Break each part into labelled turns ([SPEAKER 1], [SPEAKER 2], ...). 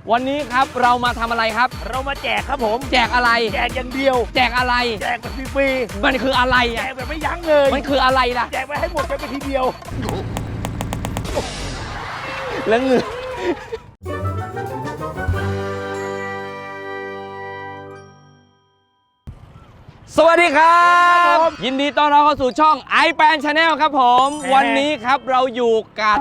[SPEAKER 1] วันนี้ครับเรามาทำอะไรครับ
[SPEAKER 2] เรามาแจกครับผม
[SPEAKER 1] แจกอะไร
[SPEAKER 2] แจกอย่างเดียว
[SPEAKER 1] แจกอะไร
[SPEAKER 2] แจกแบบฟรี
[SPEAKER 1] ๆมันคืออะไร
[SPEAKER 2] แจ
[SPEAKER 1] อ่ะ
[SPEAKER 2] กแบบไม่ยั้งเลย
[SPEAKER 1] มันคืออะไรล่ะ
[SPEAKER 2] แจกไปให้หมดไปทีเดียว
[SPEAKER 1] แล้วเงือสวัสดีครับยินดีต้อนรับเข้าสู่ช่อง iPan Channel ครับผมวันนี้ครับเราอยู่กับ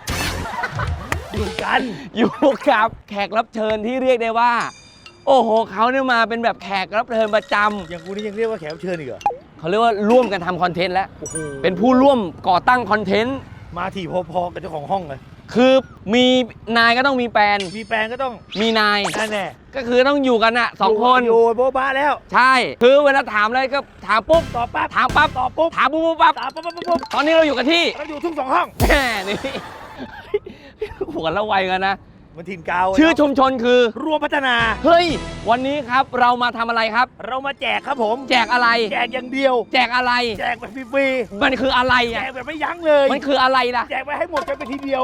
[SPEAKER 1] แขกรับเชิญที่เรียกได้ว่าโอ้โหเขาเนี่ยมาเป็นแบบแขกรับเชิญประจำ
[SPEAKER 2] อย่างกูนี่ยังเรียกว่าแขกรับเชิญอีกเหรอ
[SPEAKER 1] เขาเรียกว่าร่วมกันทำคอนเทนต์แล้วเป็นผู้ร่วมก่อตั้งคอนเทนต์
[SPEAKER 2] มาถี่พอๆกับเจ้าของห้องเลย
[SPEAKER 1] คือมีนายก็ต้องมีแฟน
[SPEAKER 2] ก็ต้อง
[SPEAKER 1] มีนาย
[SPEAKER 2] แน่
[SPEAKER 1] ก็คือต้องอยู่กันอะ2 คน
[SPEAKER 2] อยู่โบ๊ะบ้าแล้ว
[SPEAKER 1] ใช่คือเวลาถามอะไรก็ถามปุ๊บ
[SPEAKER 2] ตอบปั๊บ
[SPEAKER 1] ถามปั๊บ
[SPEAKER 2] ตอบปุ๊บ
[SPEAKER 1] ถามปุ๊บปั๊บตอนนี้เราอยู่กันที่
[SPEAKER 2] เราอยู่ทุ่ง2 ห้อง
[SPEAKER 1] แหมนี่หัวละไวกันนะ
[SPEAKER 2] มันถิ่นกาว
[SPEAKER 1] ชื่อชุมชนคือ
[SPEAKER 2] รวมพัฒนา
[SPEAKER 1] เฮ้ยวันนี้ครับเรามาทำอะไรครับ
[SPEAKER 2] เรามาแจกครับผม
[SPEAKER 1] แจกอะไร
[SPEAKER 2] แจกอย่างเดียว
[SPEAKER 1] แจกอะไร
[SPEAKER 2] แจกแบบฟรี
[SPEAKER 1] มันคืออะไร
[SPEAKER 2] แจ
[SPEAKER 1] อ่ะ
[SPEAKER 2] กแบบไม่ยั้งเลย
[SPEAKER 1] มันคืออะไรล่ะ
[SPEAKER 2] แจกไปให้หมดไปทีเดียว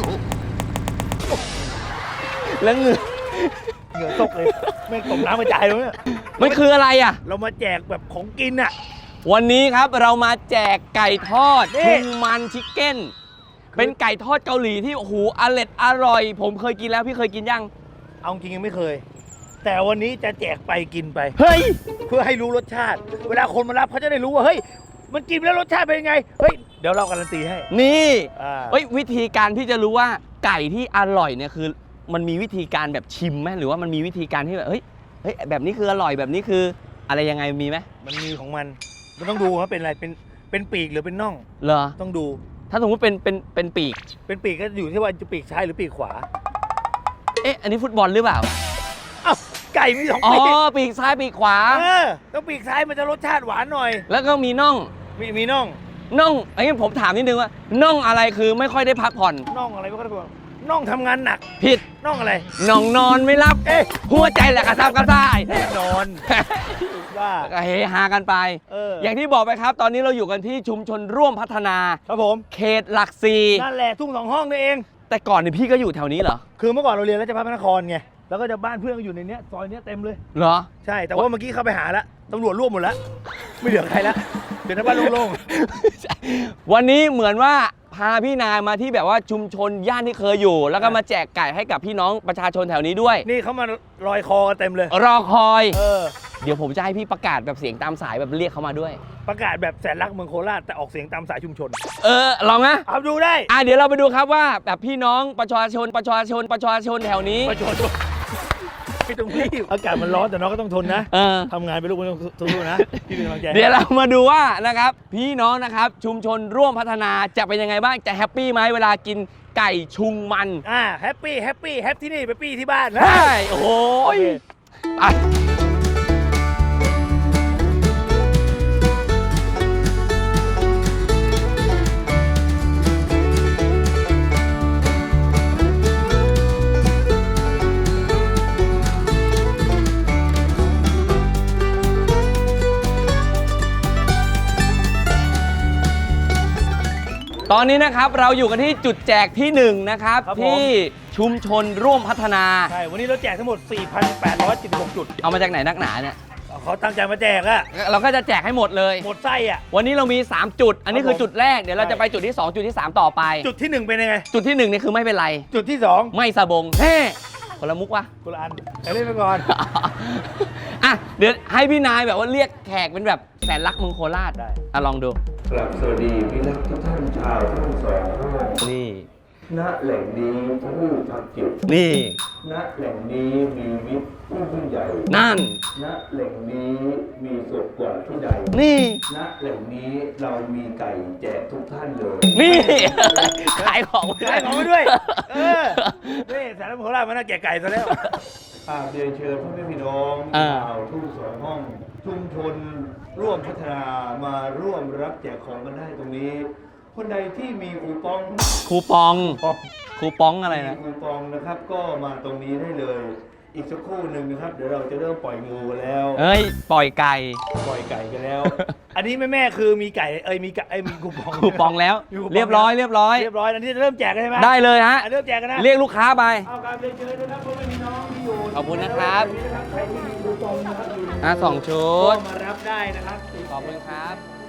[SPEAKER 1] แล้วเหงื่
[SPEAKER 2] อตกเลยไม่ตกน้ำกระจายเลยเนี่ย
[SPEAKER 1] มันคืออะไรอ่ะ
[SPEAKER 2] เรามาแจกแบบของกินอ่ะ
[SPEAKER 1] วันนี้ครับเรามาแจกไก่ทอดชุงมันชิคเก้นเป็นไก่ทอดเกาหลีที่โอ้โหอร่อยผมเคยกินแล้วพี่เคยกินยัง
[SPEAKER 2] เอาจริงยังไม่เคยแต่วันนี้จะแจกไปกินไป
[SPEAKER 1] เฮ้ย
[SPEAKER 2] เพื่อให้รู้รสชาติเวลาคนมารับเขาจะได้รู้ว่าเฮ้ยมันกินแล้วรสชาติเป็นยังไงเฮ้ยเดี๋ยวเราการันตีให้
[SPEAKER 1] นี่เฮ้ยวิธีการที่จะรู้ว่าไก่ที่อร่อยเนี่ยคือมันมีวิธีการแบบชิมไหมหรือว่ามันมีวิธีการที่แบบเฮ้ยแบบนี้คืออร่อยแบบนี้คืออะไรยังไงมีไหม
[SPEAKER 2] มันมีของมันต้องดูว่าเป็นอะไรเป็นปีกหรือเป็นน่อง
[SPEAKER 1] เหรอ
[SPEAKER 2] ต้องดู
[SPEAKER 1] ถ้าสมมติเป็นปีก
[SPEAKER 2] ก็อยู่ที่ว่าจะปีกซ้ายหรือปีกขวา
[SPEAKER 1] อันนี้ฟุตบอลหรือเปล่า
[SPEAKER 2] อ้าวไก่มี2 ปีก
[SPEAKER 1] ปีกซ้ายปีกขวา
[SPEAKER 2] ต้องปีกซ้ายมันจะรสชาติหวานหน่อย
[SPEAKER 1] แล้วก็มีน่อง
[SPEAKER 2] มีน่อง
[SPEAKER 1] อันนี้ผมถามนิดนึงว่าน่องอะไรคือไม่ค่อยได้พักผ่อน
[SPEAKER 2] น่องอะไรไม่ค่อยได้พักผ่อนน่องทำงานหนัก
[SPEAKER 1] ผิด
[SPEAKER 2] น่องอะไร
[SPEAKER 1] น่องนอนไม่รับหัวใจแหละกระซับกระซ่าย
[SPEAKER 2] นอนว่า
[SPEAKER 1] ก็เฮฮากันไปอย่างที่บอกไปครับตอนนี้เราอยู่กันที่ชุมชนร่วมพัฒนา
[SPEAKER 2] ครับผม
[SPEAKER 1] เขตหลัก4
[SPEAKER 2] นั่นแหละทุ่ง2 ห้องนี่เอง
[SPEAKER 1] แต่ก่อนเนี่ยพี่ก็อยู่แถวนี้เหรอ
[SPEAKER 2] คือเมื่อก่อนเราเรียนราชภัฏพระนครไงแล้วก็จะบ้านเพื่อนก็อยู่ในเนี้ยซอยเนี้ยเต็มเลย
[SPEAKER 1] เหรอ
[SPEAKER 2] ใช่แต่ว่าเมื่อกี้เข้าไปหาแล้วตำรวจร่วมหมดแล้วไม่เหลือใครแล้วเดี๋ยวหน้าบ้านโล่ง
[SPEAKER 1] ๆวันนี้เหมือนว่าพาพี่นายมาที่แบบว่าชุมชนย่านที่เคยอยู่แล้วก็มาแจกไก่ให้กับพี่น้องประชาชนแถวนี้ด้วย
[SPEAKER 2] นี่เขามาลอยคอกันเต็มเลย
[SPEAKER 1] รอคอยเดี๋ยวผมจะให้พี่ประกาศแบบเสียงตามสายแบบเรียกเขามาด้วย
[SPEAKER 2] ประกาศแบบแสนรักเมืองโคราชแต่ออกเสียงตามสายชุมชน
[SPEAKER 1] ลองนะ
[SPEAKER 2] เอาดูได้
[SPEAKER 1] เดี๋ยวเราไปดูครับว่าแบบพี่น้องประชาชนแถวนี้
[SPEAKER 2] ไม่ต้องรีบอากาศมันร้อนแต่น้องก็ต้องทนนะทำงานไปลูกไม่ต้องทุนนะพี่เป็นกำลังใจ
[SPEAKER 1] เดี๋ยวเรามาดูว่านะครับพี่น้องนะครับชุมชนร่วมพัฒนาจะเป็นยังไงบ้างจะแฮปปี้ไหมเวลากินไก่ชุงมัน
[SPEAKER 2] แฮปปี้ที่นี่ไปปี้ที่บ้าน
[SPEAKER 1] ใช่โอ้โหไปตอนนี้นะครับเราอยู่กันที่จุดแจกที่1นะครับที่ชุมชนร่วมพัฒนา
[SPEAKER 2] ใช่วันนี้เราแจกทั้งหมด 4,876 จุด
[SPEAKER 1] เอามาจากไหนนักหนาเนี่ย
[SPEAKER 2] เขาตั้งใจมาแจก
[SPEAKER 1] เราก็จะแจกให้หมดเลย
[SPEAKER 2] หมดไส้
[SPEAKER 1] วันนี้เรามี3จุดอันนี้คือจุดแรกเดี๋ยวเราจะไปจุดที่2จุดที่3ต่อไป
[SPEAKER 2] จุดที่1เป็นยังไง
[SPEAKER 1] จุดที่1นี่คือไม่เป็นไร
[SPEAKER 2] จุดที่2
[SPEAKER 1] ไม่สะบงคนละมุกวะ
[SPEAKER 2] คนละอันเล่นไปก่อน
[SPEAKER 1] เดี๋ยวให้พี่นายแบบว่าเรียกแขกเป็นแบบแสนรักเมืองโคราชได้ลองดู
[SPEAKER 3] ครับสวัสดีพี่นักทุกท่านชาวทั้ง2 ห้อง
[SPEAKER 1] นี่
[SPEAKER 3] ณแหล่งนี้ผู้ทำจิต
[SPEAKER 1] นี่
[SPEAKER 3] ณแหล่งนี้มีมิตรผู้ยิ่งใหญ่
[SPEAKER 1] นั่น
[SPEAKER 3] ณแหล่งนี้มีสุขกว่าที่ใด
[SPEAKER 1] นี่
[SPEAKER 3] ณแหล่งนี้เรามีไก่แจกทุกท่านเลย
[SPEAKER 1] นี่ขายของ
[SPEAKER 2] ด้วยนี่แสนรักเมืองโคราชมันน่าแจกไก่ซะแล้ว
[SPEAKER 3] เรียนเชิญพ่อแม่พี่น้องชาวทุ่ง2 ห้องชุมชนร่วมพัฒนามาร่วมรับแจกของกันได้ตรงนี้คนใดที่มีคูปอง
[SPEAKER 1] อะไรนะ
[SPEAKER 3] คูปองนะครับก็มาตรงนี้ได้เลยอีกสักครู่หนึ่งนะครับเดี๋ยวเราจะเริ่มปล่อยงูกันแล้ว
[SPEAKER 1] ปล่อยไก่
[SPEAKER 2] กันแล้วอันนี้แม่คือมีไก่มีคู
[SPEAKER 1] ปองแล้วเรียบร้อย
[SPEAKER 2] อันนี้จะเริ่มแจกกันใช่ไหม
[SPEAKER 1] ได้เลยฮะ
[SPEAKER 2] เริ่มแจกกันนะ
[SPEAKER 1] เรียกลูกค้าไป
[SPEAKER 2] เอาการเรียนเชิญนะครับพ่อแม่พี่น้อง
[SPEAKER 1] ขอบคุณนะครับ
[SPEAKER 2] ใครที่มีคูปองนะครับอยู่ใน
[SPEAKER 1] 2 ชุ
[SPEAKER 2] ก็
[SPEAKER 1] ด
[SPEAKER 2] มารับได้นะครับ
[SPEAKER 1] ขอบคุณครับ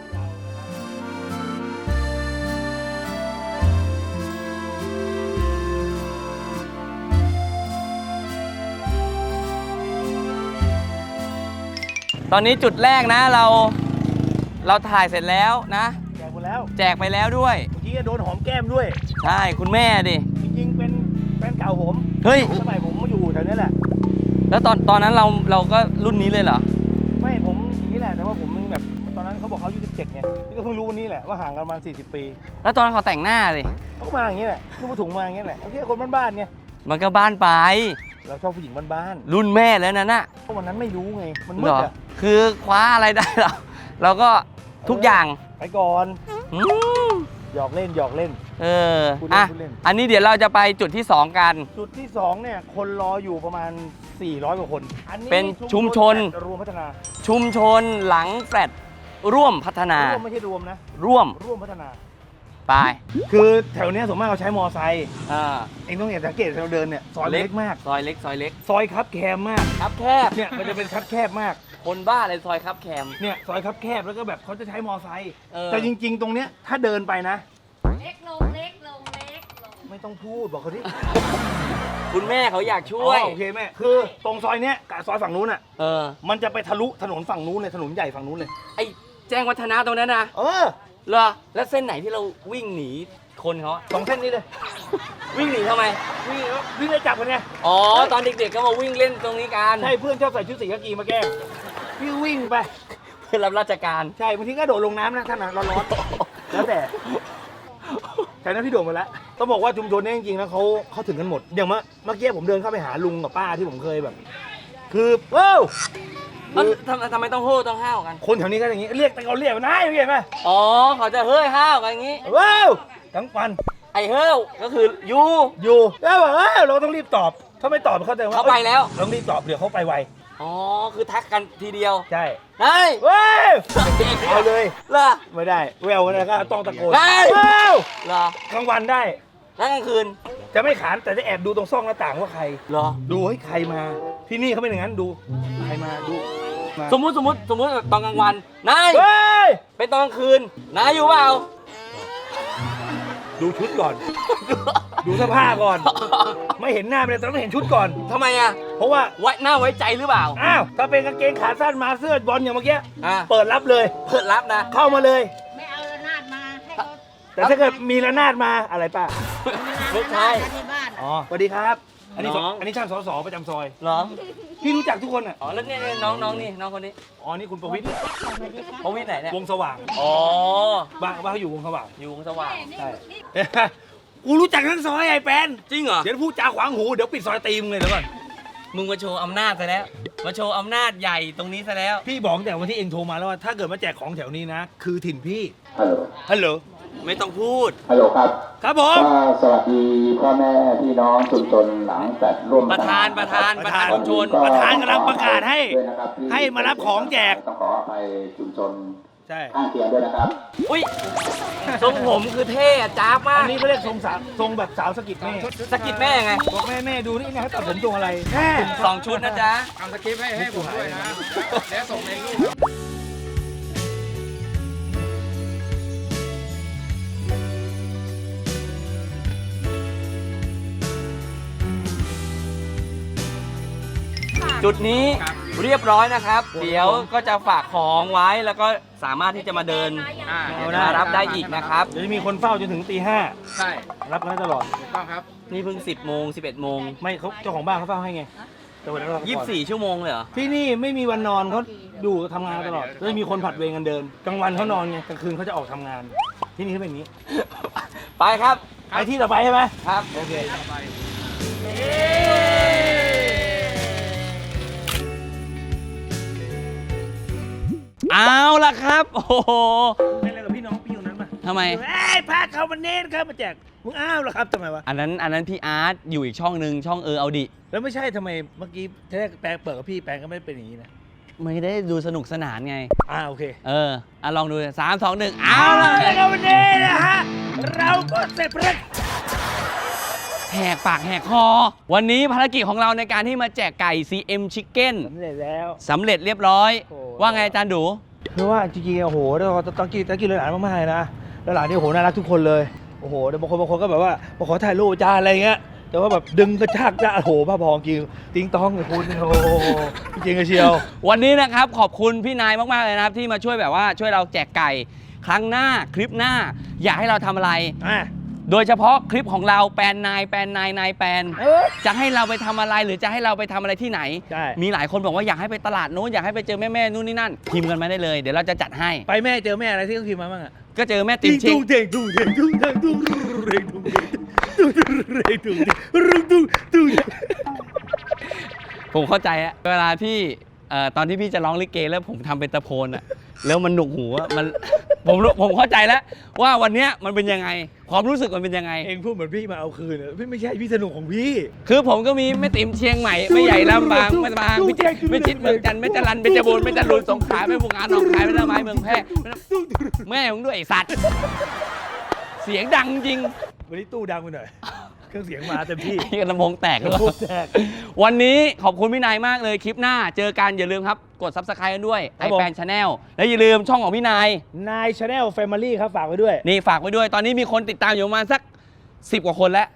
[SPEAKER 1] ตอนนี้จุดแรกนะเราถ่ายเสร็จแล้วนะ
[SPEAKER 2] แจกหมดแล้ว
[SPEAKER 1] แจกไปแล้วด้วย
[SPEAKER 2] เมื่อกี้ก็โดนหอมแก้มด้วย
[SPEAKER 1] ใช่คุณแม่ดิ
[SPEAKER 2] จริงๆเป็นแฟนเก่าผม
[SPEAKER 1] เฮ้ย
[SPEAKER 2] สมัยผมมาอยู่แถวนี้แหละ
[SPEAKER 1] แล้วตอนนั้นเราก็รุ่นนี้เลยเหรอ
[SPEAKER 2] ไม่ผมอย่างนี้แหละแต่ว่าผมมึงแบบตอนนั้นเขาบอกเขาอายุ17ไงนี่ก็เพิ่งรู้วันนี้แหละว่าห่างกันประมาณ40 ปี
[SPEAKER 1] แล้วตอนนั้นเขาแต่งหน้าสิ
[SPEAKER 2] เขาก็มาอย่างนี้แหละลูกถุงมาอย่างนี้แหละโอเคคนบ้านๆไง
[SPEAKER 1] มันก็บ้านไป
[SPEAKER 2] เราชอบผู้หญิงบ้าน
[SPEAKER 1] รุ่นแม่แล้วนั่นน่ะ
[SPEAKER 2] ๆเพราะวันนั้นไม่รู้ไงมันมื
[SPEAKER 1] เหร
[SPEAKER 2] ด
[SPEAKER 1] อ
[SPEAKER 2] อะ
[SPEAKER 1] คือคว้าอะไรได้เราก็ทุกอย่าง
[SPEAKER 2] ไปก่อน
[SPEAKER 1] อืม
[SPEAKER 2] หยอกเล่นหยอกเล่น พูดเล่น
[SPEAKER 1] อ่ะ
[SPEAKER 2] พูดเล่น
[SPEAKER 1] อันนี้เดี๋ยวเราจะไปจุดที่ 2 กัน
[SPEAKER 2] จุดที่2เนี่ยคนรออยู่ประมาณ400 กว่าคนอันนี้
[SPEAKER 1] เป็นชุมชน
[SPEAKER 2] รวมพัฒนา
[SPEAKER 1] ชุมชนหลังแฟลตร่วมพัฒนา
[SPEAKER 2] ร่วมไม่ใช่รวมนะ
[SPEAKER 1] ร่วม
[SPEAKER 2] ร่วมพัฒนา
[SPEAKER 1] ไป
[SPEAKER 2] คือแถวเนี้ยส่วนมากเราใช้มอไซค์
[SPEAKER 1] อ่า
[SPEAKER 2] เองต้องสังเกตเราเดินเนี่ยซอยเล็กมาก
[SPEAKER 1] ซอยเล็กซอยเล็ก
[SPEAKER 2] ซอยคับแคบมาก
[SPEAKER 1] ครับแคบ
[SPEAKER 2] เนี่ยมันจะเป็นคับแคบมาก
[SPEAKER 1] คนบ้าเลยซอยครับแคม
[SPEAKER 2] เนี่ยซอยคับแคบแล้วก็แบบเขาจะใช้มอไซค์
[SPEAKER 1] เออ
[SPEAKER 2] แต่จริง ๆ ตรงเนี้ยถ้าเดินไปนะ
[SPEAKER 4] เล็กลงเล็กลงเล็กลง
[SPEAKER 2] ไม่ต้องพูดบอกเขาที่
[SPEAKER 1] คุณแม่เขาอยากช่วย
[SPEAKER 2] โอเคแม่คือตรงซอยเนี้ยกับซอยฝั่งนู้นอ่ะ
[SPEAKER 1] เออ
[SPEAKER 2] มันจะไปทะลุถนนฝั่งนู้นเลยถนนใหญ่ฝั่งนู้นเลย
[SPEAKER 1] ไอ้แจ้งวัฒนะตรงนั้นนะ
[SPEAKER 2] เออ
[SPEAKER 1] เหรอแล้วเส้นไหนที่เราวิ่งหนีคนเขาอะ
[SPEAKER 2] สองเส้นนี้เลย
[SPEAKER 1] วิ่งหนีทำไม
[SPEAKER 2] วิ่งได้จับกันไง
[SPEAKER 1] อ๋อ ตอนเด็กๆก็มาวิ่งเล่นตรงนี้กัน
[SPEAKER 2] ใช่เพื่อนชอบใส่ชุดสีกากีมาแกล้งพี่วิ่งไป
[SPEAKER 1] เพื่อรับราชการ
[SPEAKER 2] ใช่บางทีก็โดดลงน้ำนะท่านนะร้อนๆแล้วแต่แต่นั้นพี่โดดมาแล้วต้องบอกว่าชุมชนเนี้จริงๆแล้วเขาถึงกันหมดอย่างเมื่อกี้ผมเดินเข้าไปหาลุงกับป้าที่ผมเคยแบบ คือว้าวคือ
[SPEAKER 1] ทำไมต้องโห่ต้องห้าวกัน
[SPEAKER 2] คนแถวนี้ก็อย่างนี้เรียกแต่เขาเรียกมันนายเห็นไหม
[SPEAKER 1] อ๋อ เขาจะเฮ้ยห้าวกันอย่างนี้
[SPEAKER 2] ว้าวทั้งวัน
[SPEAKER 1] ไอ้เฮ้ยก็คือยู
[SPEAKER 2] อยู่แล้วบอกเราต้องรีบตอบถ้าไม่ตอบเขาแต่ว่า
[SPEAKER 1] เขาไปแล้ว
[SPEAKER 2] ต้องรีบตอบเดี๋ยวเขาไปไว
[SPEAKER 1] อ๋อ คือทักกันทีเดียว
[SPEAKER 2] ใช่
[SPEAKER 1] นาย
[SPEAKER 2] ว้าวเอาเลย
[SPEAKER 1] เหรอ
[SPEAKER 2] ไม่ได้แววนะก็ต้องตะโกน
[SPEAKER 1] ได้
[SPEAKER 2] ว้าว
[SPEAKER 1] เหรอก
[SPEAKER 2] ลางวันได้
[SPEAKER 1] แล้วกลางคืน
[SPEAKER 2] จะไม่ขานแต่จะแอบดูตรงซ่องหน้าต่างว่าใคร
[SPEAKER 1] เหรอ
[SPEAKER 2] ดูให้ใครมา ที่นี่เขาเป็นอย่างนั้นดูใครมาดูมา
[SPEAKER 1] สมมุติตอนกลางวัน นาย
[SPEAKER 2] เฮ้ย
[SPEAKER 1] เป็นตอนกลางคืน นายอยู่เปล่า
[SPEAKER 2] ดูชุดก่อน ดูเสื้อผ้าก่อน ไม่เห็นหน้าเลยแต่ต้องเห็นชุดก่อน
[SPEAKER 1] ทำไมอ่ะ
[SPEAKER 2] เพราะว่า
[SPEAKER 1] หน้าไว้ใจหรือเปล่า
[SPEAKER 2] อ้าวถ้าเป็นกางเกงขาสั้นมาเสื้อบอลอย่างเมื่อกี้
[SPEAKER 1] อ่า
[SPEAKER 2] เปิดรับเลย
[SPEAKER 1] เปิดรับนะ
[SPEAKER 2] เข้ามาเลย
[SPEAKER 4] ไม่เอาระนาดมาให้เขา
[SPEAKER 2] แต่ถ้าเกิดมีระนาดมาอะไรป้า
[SPEAKER 1] ไม่ใช่
[SPEAKER 4] ที่บ้าน
[SPEAKER 2] อ๋อสวัสดีครับ อันนี้
[SPEAKER 1] น้อง
[SPEAKER 2] อันนี้ช่างสสประจำซอย
[SPEAKER 1] เหรอ
[SPEAKER 2] พี่รู้จักทุกคนอ่ะ
[SPEAKER 1] อ๋อ แล้วเนี่ยน้องนี่ น้องคนนี้
[SPEAKER 2] อ๋อนี่คุณประวิตร
[SPEAKER 1] เขาวิทย์ไหนเนี่ย
[SPEAKER 2] วงสว่าง
[SPEAKER 1] อ๋อ
[SPEAKER 2] บ้านเขาอยู่วงสว่าง
[SPEAKER 1] อยู่วงสว่าง
[SPEAKER 2] ใช่ กูรู้จักทั้งซอยไอ้แปน
[SPEAKER 1] จริงเหรอ
[SPEAKER 2] เดี๋ยวพูดจาขวางหูเดี๋ยวปิดซอยตีมึงเลยเดี๋ยวก่อน
[SPEAKER 1] มึงมาโชว์อำนาจซะแล้ว มาโชว์อำนาจใหญ่ตรงนี้ซะแล้ว
[SPEAKER 2] พี่บอกตั้งแต่วันที่เองโทรมาแล้วว่าถ้าเกิดมาแจกของแถวนี้นะ คือถิ่นพี่
[SPEAKER 5] ฮัลโหล
[SPEAKER 2] ฮัลโหล
[SPEAKER 1] ไม่ต้องพูด
[SPEAKER 5] ฮัลโหลครับ
[SPEAKER 2] ครับผม
[SPEAKER 5] ก็สวัสดีพ่อแม่พี่น้องชุมชนหลังแฟลตร่วม
[SPEAKER 1] ประธานชุมชน
[SPEAKER 2] ประธานกำลังประกาศให้
[SPEAKER 5] ด้วยนะครับที่
[SPEAKER 2] ให้มารับของแจก
[SPEAKER 5] ต้องขออภัยชุมชน
[SPEAKER 2] ใช่
[SPEAKER 5] ข้างเคียงด้วยนะครับ
[SPEAKER 1] อุ้ย ทรงผมคือเท่อะจ้าบมาก
[SPEAKER 2] อันนี้เขาเรียกทรงสาวทรงแบบสาวสะกิดแม่
[SPEAKER 1] สะกิดแม่ไง
[SPEAKER 2] บอกแม่ดูนี่นะเขาตัดผมทรงอะไรแม่
[SPEAKER 1] 2 ชุดนะจ๊ะ
[SPEAKER 6] ทำสคริปต์ให้ผมด้วยนะ แล้วส่งในรูป
[SPEAKER 1] จุดนี้เรียบร้อยนะครับ เดี๋ยวก็จะฝากของไว้แล้วก็สามารถที่จะมาเดิน มารับได้อีกนะครับ
[SPEAKER 2] เดี๋ยวจะมีคนเฝ้าจนถึงตี
[SPEAKER 6] ใช่
[SPEAKER 2] 5รับกันได้ตลอด
[SPEAKER 6] ถูกต้องครับ
[SPEAKER 1] นี่เพิ่ง 10 โมง 11 โมง
[SPEAKER 2] ไม่เขาเจ้าของบ้านเขาเฝ้าให้ไงแต่วันนั้นเราก่อน
[SPEAKER 1] 24 ชั่วโมงเลยเหรอ
[SPEAKER 2] ที่นี่ไม่มีวันนอนเขาอยู่ทำงานตลอดแล้วมีคนผัดเวรกันเดินกลางวันเขานอนไงกลางคืนเขาจะออกทำงาน ที่นี่เขาเป็นอย่างนี้
[SPEAKER 1] ไปครับ
[SPEAKER 2] ไปที่ต่อไปใช่ไหม
[SPEAKER 1] ครับ
[SPEAKER 2] โอเค
[SPEAKER 1] เอาละครับ โอ้โห
[SPEAKER 2] เป็นอะไรกับพี่น้องพี่คนนั้นมา
[SPEAKER 1] ทำไม
[SPEAKER 2] เฮ้ยพาเขามาเน้นครับมาแจกมึงอ้าวเหรอครับทำไมวะ
[SPEAKER 1] อันนั้นพี่อาร์ตอยู่อีกช่องหนึ่งช่องเอาดิ
[SPEAKER 2] แล้วไม่ใช่ทำไมเมื่อกี้ทีแรกแปลงเปิดกับพี่แปลงก็ไม่ได้เป็นอย่างนี้นะ
[SPEAKER 1] ไม่ได้ดูสนุกสนานไง
[SPEAKER 2] โอเค
[SPEAKER 1] ลองดู 3 2 1 เอาละ
[SPEAKER 2] แล้ววันนี้นะฮะเราก็เสร็จภารกิจแถ
[SPEAKER 1] แหกปากแหกคอ วันนี้ภารกิจของเราในการที่มาแจกไก่ CM Chicken
[SPEAKER 2] สำเร็จแล้ว
[SPEAKER 1] สำเร็จเรียบร้อย
[SPEAKER 2] โอ้
[SPEAKER 1] ว่าไงอาจารย์ดู
[SPEAKER 2] คือว่าจริงๆโอ้โหต้องกินเลยหลานมากๆเลยนะแล้วหลานนี่โอ้โหน่ารักทุกคนเลยโอ้โหแต่บางคนก็แบบว่ามาขอถ่ายรูปอาจารย์อะไรเงี้ยแต่ว่าแบบดึงกระชากจ้าโอ้โหบ้าพอจริงติ้งต้องเลยคุณโอ้โหจริงๆเชียว
[SPEAKER 1] วันนี้นะครับขอบคุณพี่นายมากๆเลยนะครับที่มาช่วยแบบว่าช่วยเราแจกไก่ครั้งหน้าคลิปหน้าอยากให้เราทำอะไร โดยเฉพาะคลิปของเราแปลนนายจะให้เราไปทำอะไรหรือจะให้เราไปทำอะไรที่ไหน
[SPEAKER 2] ใช่
[SPEAKER 1] มีหลายคนบอกว่าอยากให้ไปตลาดนู้นอยากให้ไปเจอแม่นู่นนี่นั่นพิมพ์กันมาได้เลยเดี๋ยวเราจะจัดให้
[SPEAKER 2] ไปแม่เจอแม่อะไรที่ต้องพิมพ์มาบ้างอะ
[SPEAKER 1] ก็เจอแม่ติ๋มเชง
[SPEAKER 2] เด้งตุ้งเด้งตุ้งเด้งตุ้งเด้งตุ้งเด้งตุ้งเด้งตุ้งเด้งตุ้ง
[SPEAKER 1] ผมเข้าใจอะเวลาที่ตอนที่พี่จะร้องลิเกแล้วผมทำเป็นตะโพนอะแล้วมันหนุกหูอะมันผมเข้าใจแล้วว่าวันเนี้ยมันเป็นยังไงความรู้สึกมันเป็นยังไง
[SPEAKER 2] เองพูดเหมือนพี่มาเอาคืนอะพี่ไม่ใช่พี่สนุกของพี่
[SPEAKER 1] คือผมก็มีแม่ติ๋มเชียงใหม่แม่ใหญ่ลำปางแม่ตะบางพิจิตรเมืองจันทร์แม่จรัญแม่จบูรณ์แม่จรูนสงขลาแม่บุงงานหนองคายแม่ละไม้เมืองแพร่แม่ของด้วยไอ้สัตว์เสียงดังจริง
[SPEAKER 2] วันนี้ตู้ดังไปหน่อยเครื่องเสียงมาเต็มที่
[SPEAKER 1] ที่กระโปรงแตก
[SPEAKER 2] กระโปรงแตก
[SPEAKER 1] วันนี้ขอบคุณพี่นายมากเลยคลิปหน้าเจอกันอย่าลืมครับกด Subscribe กันด้วย
[SPEAKER 2] ครับผม
[SPEAKER 1] iPad Channel และอย่าลืมช่องของพี่นาย
[SPEAKER 2] นายชาแนลแฟมิลี่ครับฝากไว้ด้วย
[SPEAKER 1] นี่ฝากไว้ด้วยตอนนี้มีคนติดตามอยู่ประมาณสัก10 กว่าคนแล้ว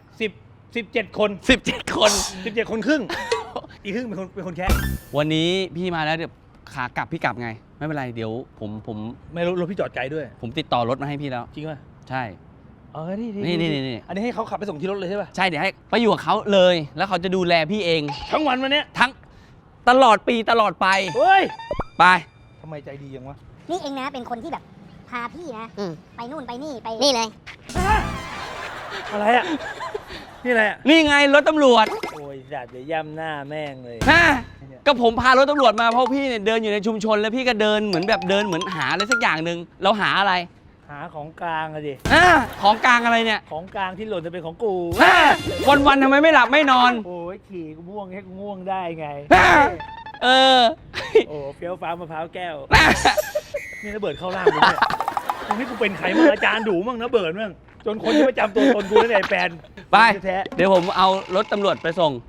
[SPEAKER 2] 17 คน
[SPEAKER 1] 17 คน
[SPEAKER 2] 17 คนครึ่ง อีกครึ่งเป็นคนแค่
[SPEAKER 1] วันนี้พี่มาแล้วเดี๋ยวขากลับพี่กลับไง ไม่เป็นไรเดี๋ยวผม
[SPEAKER 2] ไม่รู้รถพี่จอดไกลด้วย
[SPEAKER 1] ผมติดต่อรถมาให้พี่แล้ว
[SPEAKER 2] จริงป่ะ
[SPEAKER 1] ใช่
[SPEAKER 2] นี่
[SPEAKER 1] นี่
[SPEAKER 2] อันนี้ให้เขาขับไปส่งที่รถเลยใช่ป่ะ
[SPEAKER 1] ใช่เดี๋ยวให้ไปอยู่กับเขาเลย แล้วเขาจะดูแลพี่เอง
[SPEAKER 2] ทั้งวันวันเนี้ย
[SPEAKER 1] ทั้งตลอดปีตลอดไป
[SPEAKER 2] เฮ้ย
[SPEAKER 1] ไป
[SPEAKER 2] ทำไมใจดียังวะ
[SPEAKER 4] นี่เองนะเป็นคนที่แบบพาพี่นะไปนู่นไปนี่ไปนี่เลย
[SPEAKER 2] อะไรอ่ะ นี่อะไรอ่ะ
[SPEAKER 1] นี่ไงรถตำรวจ
[SPEAKER 2] โอ้ยจัดเดี๋ยวย่ำหน้าแม่งเลย
[SPEAKER 1] ฮะก็ผมพารถตำรวจมาเพราะพี่เนี่ยเดินอยู่ในชุมชนแล้วพี่ก็เดินเหมือนแบบเดินเหมือนหาอะไรสักอย่างหนึ่งเราหาอะไร
[SPEAKER 2] หาของกลางอะดิ
[SPEAKER 1] ของกลางอะไรเนี่ย
[SPEAKER 2] ของกลางที่หล่นจะเป็นของกู
[SPEAKER 1] วันๆทำไมไม่หลับไม่นอน
[SPEAKER 2] โอ้ยขี่กูง่วงให้กูง่วงได้ไง
[SPEAKER 1] เออ
[SPEAKER 2] โอ้เฟี้ยวฟ้ามะพร้าวแก้ว นี่ระเบิดเข้าร่างกูเนี่ยตรงนี้กูเป็นใครมั่งอาจารย์ดูมั่งนะเบิร์ดมั่งจนคนที่ประจำตัวตนกูนั่นแหละแฟน
[SPEAKER 1] ไป
[SPEAKER 2] แท้
[SPEAKER 1] เดี๋ยวผมเอารถตำรวจไปส่ง